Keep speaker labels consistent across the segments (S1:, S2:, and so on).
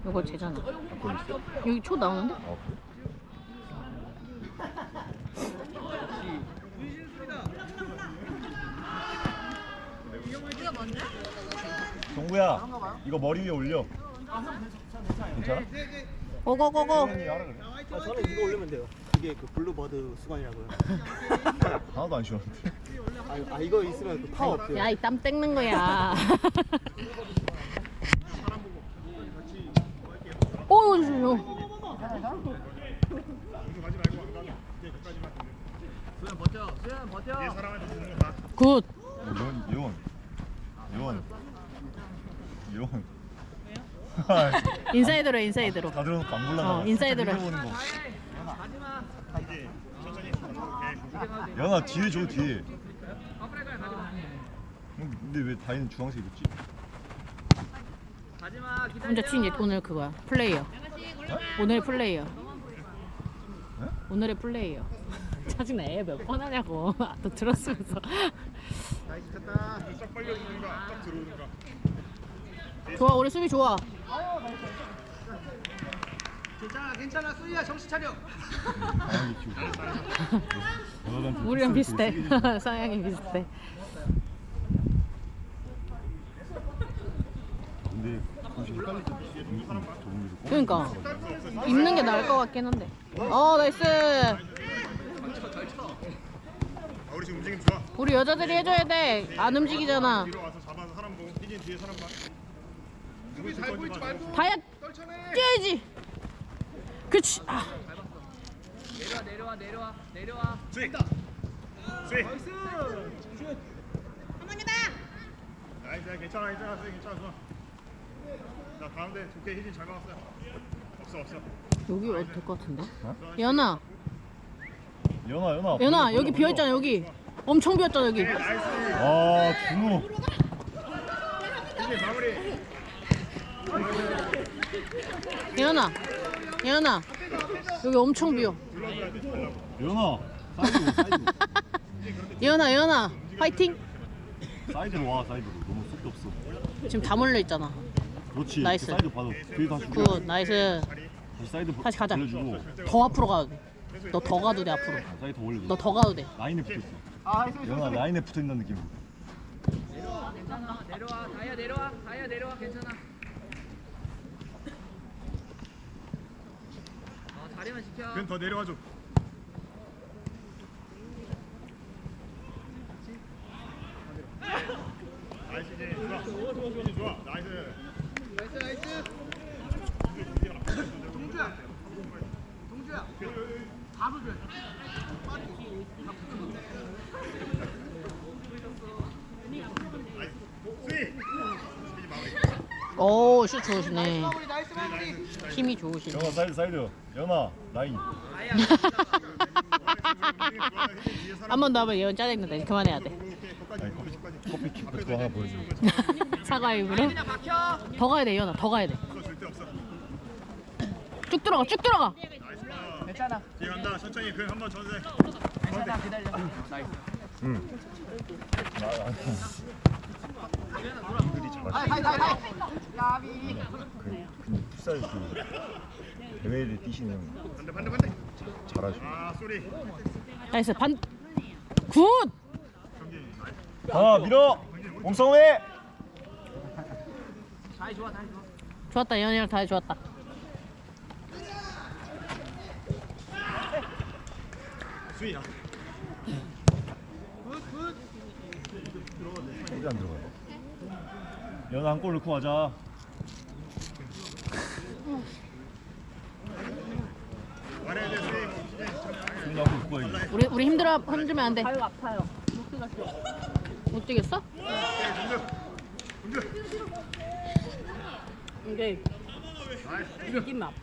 S1: 이거 제잖아.
S2: 그건 있어?
S1: 여기 초 나오는데?
S2: 아 그래? 정구야 이거 머리 위에 올려. 괜찮아?
S1: 고고고고.
S2: 혜연이 하라 그래.
S3: 저는 이거 올리면 돼요. 이게 그 블루버드 수건이라고요.
S2: 하나도 안 시원한데.
S3: 이거 있으면 그 파워 없대요.
S1: 야, 이 땀 땡는 거야. 오, 이거 굿.
S2: 이원.
S1: 인사이드로 인사이드로.
S2: 다 들어놓고 안 골라나.
S1: 인사이드로.
S2: 연아 뒤에 줘 뒤에. 근데 왜 다이는 주황색 입었지?
S1: 혼자 튄 오늘 그거야. 플레이어. 오늘 플레이어. 오늘의 플레이어. 짜증나. 애 몇 번 하냐고. 너 들었으면서.
S2: 딱 빨려주는가 딱 들어오는가.
S1: 좋아, 우리 수비 좋아.
S3: 괜찮아 수희야 정신 차려.
S2: 강하게 키우고.
S1: 우리랑 비슷해. 성향이 비슷해.
S2: 근데 혹시 헷갈릴 때
S1: 그러니까 입는 게 나을 것 같긴 한데. 나이스.
S2: 우리 지금 움직임 좋아.
S1: 우리 여자들이 해줘야 돼. 안 움직이잖아.
S2: 뒤로 와서 잡아서 사람 보고 희진 뒤에 사람 봐. 누구 잘 보이지 말고.
S1: 다야 뛰어야지. 그치.
S4: 내려와.
S2: 스윗. 스윗. 나이스 괜찮아 스윗 괜찮아 좋아. 자 가운데 좋게 희진 잘 막았어요. 없어.
S1: 여기 와도 될 것 같은데? 연아
S2: 연아
S1: 여기 비어있잖아. 여기 엄청 비었잖아 여기.
S2: 아 준호. 희진 마무리.
S1: 연아 여기 엄청 비어.
S2: 연아 사이드로
S1: 연아 화이팅.
S2: 사이드로 와 사이드로 너무 속도 없어.
S1: 지금 다 몰려 있잖아.
S2: 그렇지.
S1: 나이스.
S2: 그 사이드 봐도 뒤에 다시
S1: 굿 나이스.
S2: 다시 사이드
S1: 다시 가자.
S2: 돌려주고.
S1: 더 앞으로 가도 돼. 너 더 가도 돼 앞으로.
S2: 사이드 더 올려줘.
S1: 너 더 가도 돼.
S2: 라인에 붙어 있어. 연아 라인에 붙어 있는 느낌.
S4: 내려와. 다이아 내려와. 괜찮아. 자리만 지켜.
S2: 그럼 더 내려와줘. 나이스 좋아. 나이스.
S3: 동주야. 밥을 줘.
S2: 스윗.
S1: 오, 슛 좋으시네.
S3: 나이스 마무리.
S1: 힘이 좋으시네.
S2: 연아 사이드. 연아 라인.
S1: 한 번 더 하면 예언 짜증난다. 이제 그만해야 돼.
S2: 커피 킥 그거 하나 보여줘.
S1: 사과 입으로.
S4: 그냥 막혀.
S1: 더 가야 돼, 예언아. 더 가야 돼.
S2: 절대 없어.
S1: 쭉 들어가.
S3: 괜찮아.
S2: 뒤에 간다. 천천히 그 한번 전세.
S3: 괜찮아 기다려.
S2: 응. 이들이 잘하시.
S3: 하이. 야비.
S2: 그 풋살 그 대회를 뛰시는
S4: 반대.
S2: 잘하셔.
S4: 아 쏘리.
S1: 나이스. 굿.
S2: 아 밀어. 몸싸움해.
S4: 다이 좋아.
S1: 좋았다. 예언이랑 다 좋았다.
S2: 수이야. 어디 안 들어가? 연아 한 골 넣고 가자. 수이 한골 넣고 가야지.
S1: 우리 힘들면 안 돼. 발 아파요. 못 뛰겠어? 이게 느낌 아파.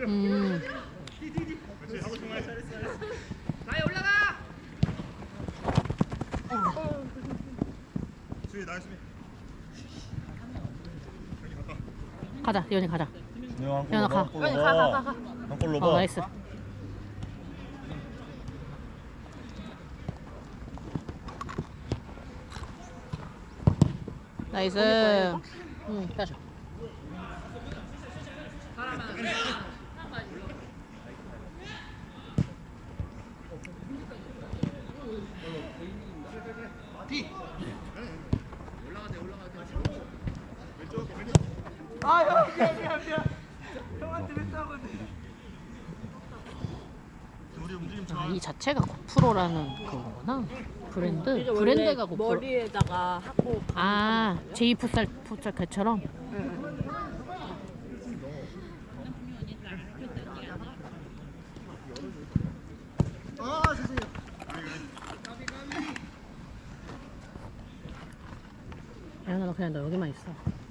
S4: 다이 올라가.
S2: 수이 나이스.
S1: 가자, 예언이 가자.
S2: 연아
S1: 가.
S2: 한골 넣어.
S1: 나이스. 나이스. 응, 따줘.
S2: 우리 움직임
S1: 아, 이 자체가 고프로라는 그거구나. 브랜드가 고프로.
S5: 머리에다가 하고
S1: 아, 제이 풋살 그처럼. 야나 너 그냥 너 여기만 있어.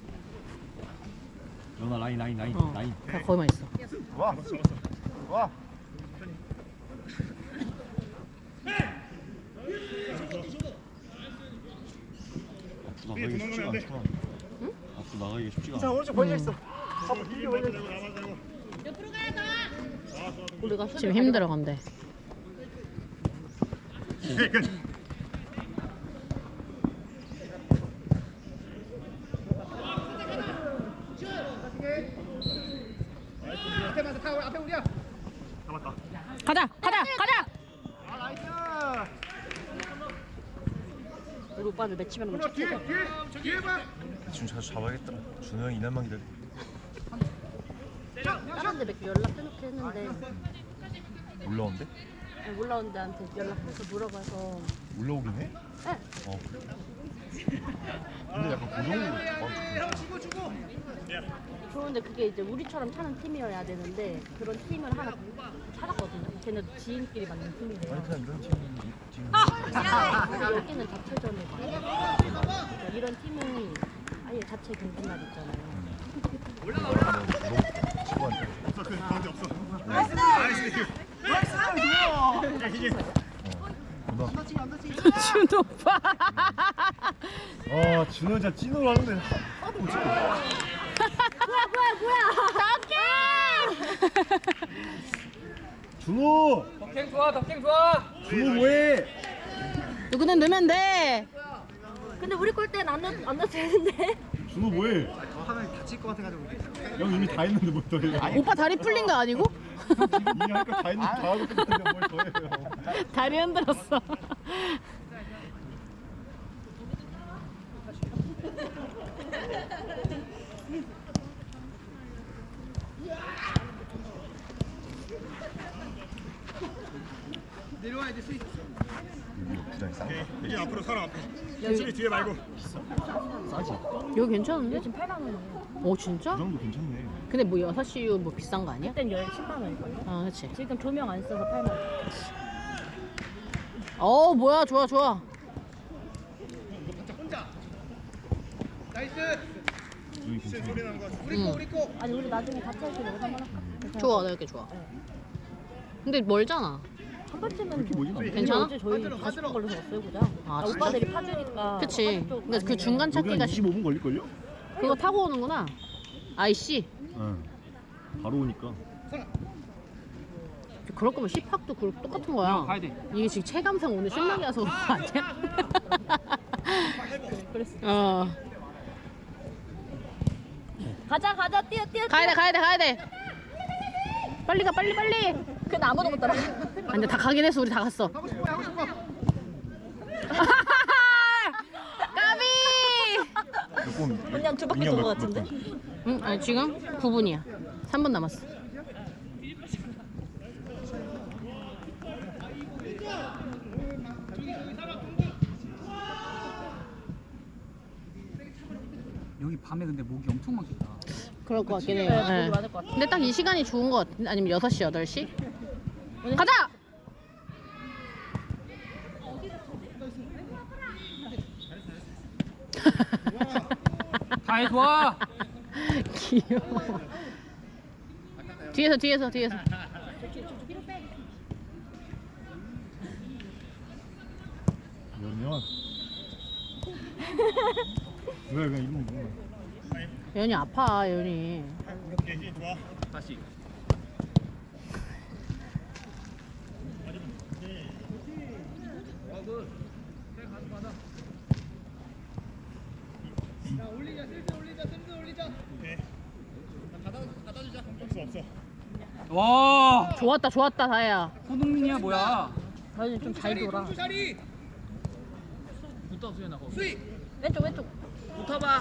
S6: 연아 라인
S1: 어,
S6: 라인.
S1: 그냥 거기만 있어.
S2: 와. 와.
S6: 앞으로 나가기 쉽지가 않구나. 앞으로 나가기 쉽지가
S3: 자
S6: 않아.
S3: 오른쪽 벌려 있어.
S2: 힘 맞춰 대고 나만 대고.
S1: 우리가 지금 힘들어 건데.
S2: 잡았다.
S1: 가자.
S2: 아 나이스.
S5: 우리 오빠들 매치면 뭐
S2: 뒤에 뒤에 봐.
S6: 지금 자주 잡아야겠더라. 준호 형이 이날만 기다려.
S5: 다른데 몇 개 연락해놓게 했는데
S6: 올라온대?
S5: 아니, 올라온 데한테 연락해서 물어봐서
S6: 올라오긴 해?
S5: 네.
S6: 어 그래? 근데 약간 고정으로 잡아주고
S5: 좋은데 그게 이제 우리처럼 타는 팀이어야 되는데 그런 팀을 하나 찾았거든요. 걔네도 지인끼리 만든 팀이래요.
S6: 아니 그냥 이런 팀은 지금
S5: 근데 여기는 자체전이고 그러니까 이런 팀은 아예 자체 경기 날 있잖아요.
S6: 친구한테
S2: 없어 그 가운데 없어. 나이스. 야 희진.
S6: 누나
S1: 준 오빠.
S6: 아 준호 진짜 찐으로 하는데 하나도 못 찍고 준호!
S4: 덕행 좋아.
S6: 준호 뭐해?
S1: 누구는 넣으면 돼.
S5: 근데 우리 골대는 안 넣어도 되는데.
S6: 준호 뭐해?
S3: 더 하면 다칠 것 같아가지고.
S6: 형 이미 다 했는데 뭘 더해?
S1: 오빠 다리 풀린 거 아니고?
S6: 이미 할 거 다 했는데 다 하고 끝났는데 뭘 더해요?
S1: 다리 흔들었어.
S6: 부장이 싼 거.
S2: 희진 앞으로 사람 앞에. 수비 뒤에 말고.
S6: 싸지?
S1: 여기 괜찮은데?
S5: 지금 8만 원이에요.
S1: 오 진짜?
S6: 그 정도 괜찮네.
S1: 근데 뭐 6시 뭐 비싼 거 아니야?
S5: 그땐 10만 원이거든요.
S1: 아 그치.
S5: 지금 조명 안 써서 8만 원.
S1: 어 뭐야 좋아.
S6: 여기 괜찮네.
S2: 소리 나는 거 같아.
S1: 응.
S5: 아니 우리 나중에 같이 할 때 여기서 한번 할까?
S1: 좋아 나 이렇게 좋아. 근데 멀잖아.
S5: 한 번쯤은
S6: 이렇게 뭐지?
S1: 괜찮아?
S5: 어제 저희 가싶은 걸로 줬어요 그냥.
S1: 아, 진짜?
S5: 오빠들이 파주니까.
S1: 그치.
S5: 파주 쪽
S1: 근데 그 중간
S6: 여기 한
S1: 찾기가
S6: 25분 걸릴걸요?
S1: 그거 타고 오는구나. IC.
S6: 응. 바로 오니까.
S1: 그럴 거면 C팍도 똑같은 거야.
S4: 가야 돼.
S1: 이게 지금 체감상 오늘 신나게 와서 그런 거 아니야?
S5: 그랬어.
S1: 어.
S5: 가자 뛰어.
S1: 가야 돼. 빨리 가 빨리.
S5: 근데 아무도 못 따라.
S1: 아, 근데 다 가긴 했어. 우리 다 갔어.
S2: 하고 싶어.
S1: 까비!
S6: 조금
S5: 그냥 두 바퀴 돈거 같은데?
S1: 응, 아니 지금 9분이야. 3분 남았어.
S4: 여기 밤에 근데 목이 엄청 많겠다.
S1: 그럴 것 같긴 해요.
S5: 네,
S1: 네.
S5: 거기 많을 것 같아.
S1: 근데 딱 이 시간이 좋은 것 같은데? 아니면 6시, 8시? 가자!
S4: 다해 좋아.
S1: 귀여워. 뒤에서.
S6: 그러면 왜 그냥 이런 거
S1: 연이 아파, 연이.
S2: 오케이 희진 좋아.
S4: 다시.
S2: 오케이. 갖다 주자. 없어. 없어.
S4: 와
S1: 좋았다 좋았다 다혜야.
S4: 손흥민이야 뭐야?
S5: 다현이 좀 잘 돌아.
S4: 붙어 수연아 거.
S5: 왼쪽 왼쪽.
S4: 붙어봐.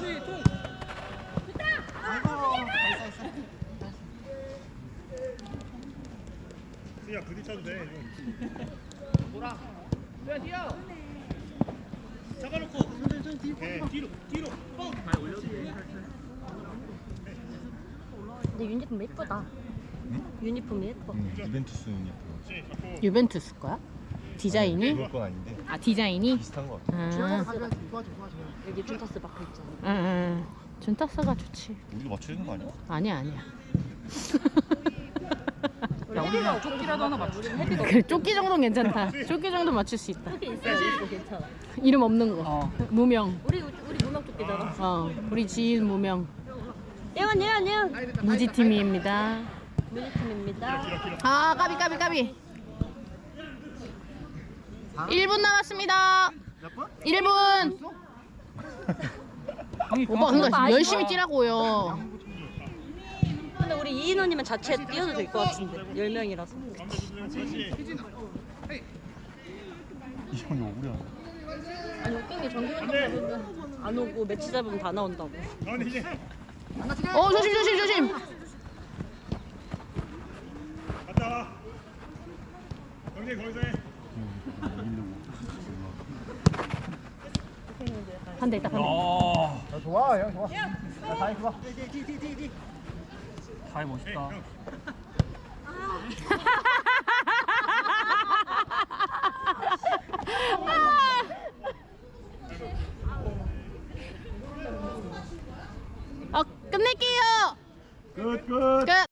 S2: 수야 부딪혀도 돼.
S3: 잡아놓고
S2: 오케이.
S3: 뒤로
S5: 근데 유니폼 예쁘다. 유니폼이 예뻐.
S6: 유벤투스 유니폼.
S2: 그렇지. 잡고.
S1: 유벤투스 거야? 디자인이?
S6: 그럴 건 아닌데
S1: 아 디자인이?
S6: 비슷한 거 같아.
S5: 준타스 여기 준타스 박혀 있잖아.
S1: 응. 준타스가 좋지.
S6: 우리도 맞춰야 되는 거 아니야?
S1: 아니야 아니야.
S4: 야 우리 그냥 조끼라도 하나 맞추자.
S1: 그래 조끼 정도는 괜찮다. 조끼 정도 맞출 수 있다.
S5: 조끼 있어 괜찮아.
S1: 이름 없는 거.
S4: 어.
S1: 무명.
S5: 우리 문학 조끼잖아.
S1: 우리 지인 무명.
S5: 예원.
S1: 무지팀입니다.
S5: 무지팀입니다.
S1: 아 까비. 1분 남았습니다.
S3: 몇 번?
S1: 1분.
S4: 형이
S1: 오빠
S4: 그만큼
S1: 그러니까
S5: 아쉬워.
S1: 열심히 뛰라고요.
S5: 근데 우리 이인호님은 자체 뛰어도 될 것 같은데 10명이라서.
S2: 가운데 주세요. 그렇지.
S6: 이 형이 억울해.
S5: 아니 웃긴 게 정규 운동 가면 안 오고 매치 잡으면 다 나온다고.
S2: 가운데 희진.
S1: 조심.
S2: 갔다 와. 경진 거기서 해.
S1: 반대 있다 반대.
S4: 야
S3: 좋아 형 좋아 다이 좋아 뒤
S4: 다이 멋있다.
S1: 끝낼게요.
S3: 끝
S1: 끝.